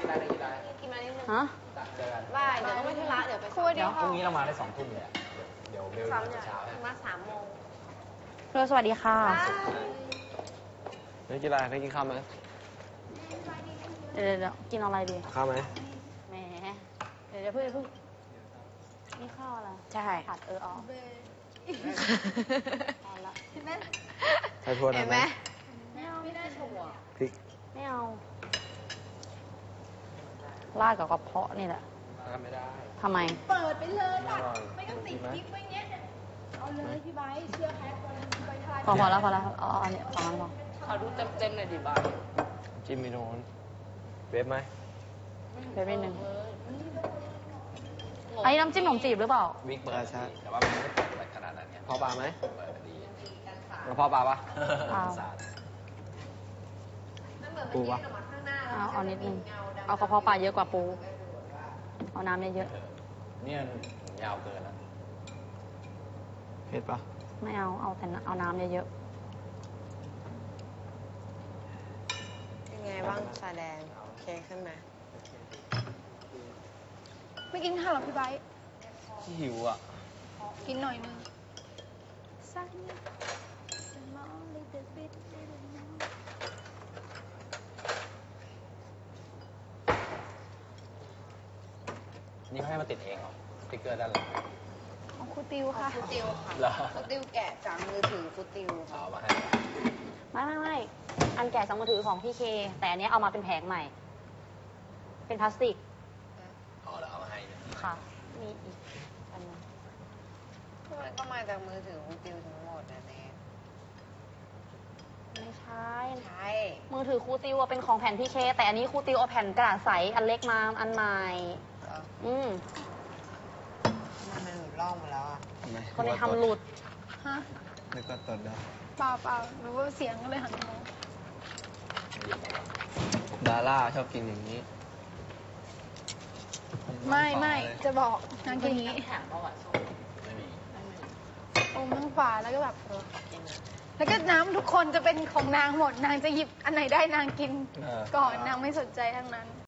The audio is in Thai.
กินมานิดนึงฮะเจอกันบ่ายเดี๋ยวต้องไปธุระเดี๋ยวไปคุยดีพรุ่งนี้เรามาได้2 ทุ่มเลยอะเดี๋ยวเบลซ้อมมาเนี่ยเช้ามา3 โมงเพื่อสวัสดีค่ะไม่กินอะไรไม่กินข้าวไหมเดี๋ยวกินอะไรดีข้าวไหมแหมเดี๋ยวเพิ่งนี่ข้าวอะไรใช่ผัดอ๋อเอาละใส่ถั่วหน่อยไหมไม่ได้ชมอ่ะพริกไม่เอาราดกับกระเพาะนี่แหละไม่ได้ทำไมเปิดไปเลยไม่ตัดอร่อยไม่ต้องติดคลิปไว้เงี้ย เอาเลยพี่ไบร์ทเชื่อแพ็ควันพี่ไบร์ททายพอแล้วเอาอันนี้สองอันพอขอดูเต็มๆหน่อยดิบ้ายจิ้มไม่โดนเวฟไหมเดี๋ยวนิดนึงอันนี้น้ำจิ้มขนมจีบหรือเปล่าวิกเปิดใช่แต่ว่ามันไม่ได้เปิดอะไรขนาดนั้นไงพ่อปลาไหมเปิดดีแล้วพ่อปลาปะเปล่าปูปะเอานิดนึง เอากระเพาะปลาเยอะกว่าปู เอาน้ำเยอะเนี่ยยาวเกินแล้วเผ็ดปะๆไม่เอาแต่เอาน้ำเยอะเป็นไงบ้างชาแดงโอเคขึ้นไหมไม่กินข้าวหรอพี่ไบร์ทหิวอ่ะกินหน่อยนึงนี่เขาให้มาติดเองเหรอสติ๊กเกอร์ด้านหลังของครูติวค่ะฟูติวค่ะเหรอฟูติวแกะจากมือถือฟูติวค่ะเอามาให้ๆไม่อันแกะสองมือถือของพี่เค แต่อันนี้เอามาเป็นแผงใหม่ เป็นพลาสติกอ๋อเดี๋ยวเอามาให้เนี่ยค่ะ มีอีกอันหนึงมันก็มาจากมือถือฟูติวทั้งหมดนะเนทไม่ใช่ใช่มือถือครูติวอะเป็นของแผ่นพี่เค แต่อันนี้ครูติวเอาแผ่นกระดาษใสอันเล็กมาอันใหม่เหรออืมมันหลุดล่องมาแล้วอ่ะคนนี้ทำหลุดฮะนึกว่าตดได้เปล่ารู้ว่าเสียงก็เลยหันมามองดาร่าชอบกินอย่างนี้ไม่จะบอกนางกินอย่างนี้ไม่มีอมทั้งฝาแล้วก็แบบแล้วก็น้ำทุกคนจะเป็นของนางหมด นางจะหยิบอันไหนได้นางกินก่อนนางไม่สนใจทั้งนั้น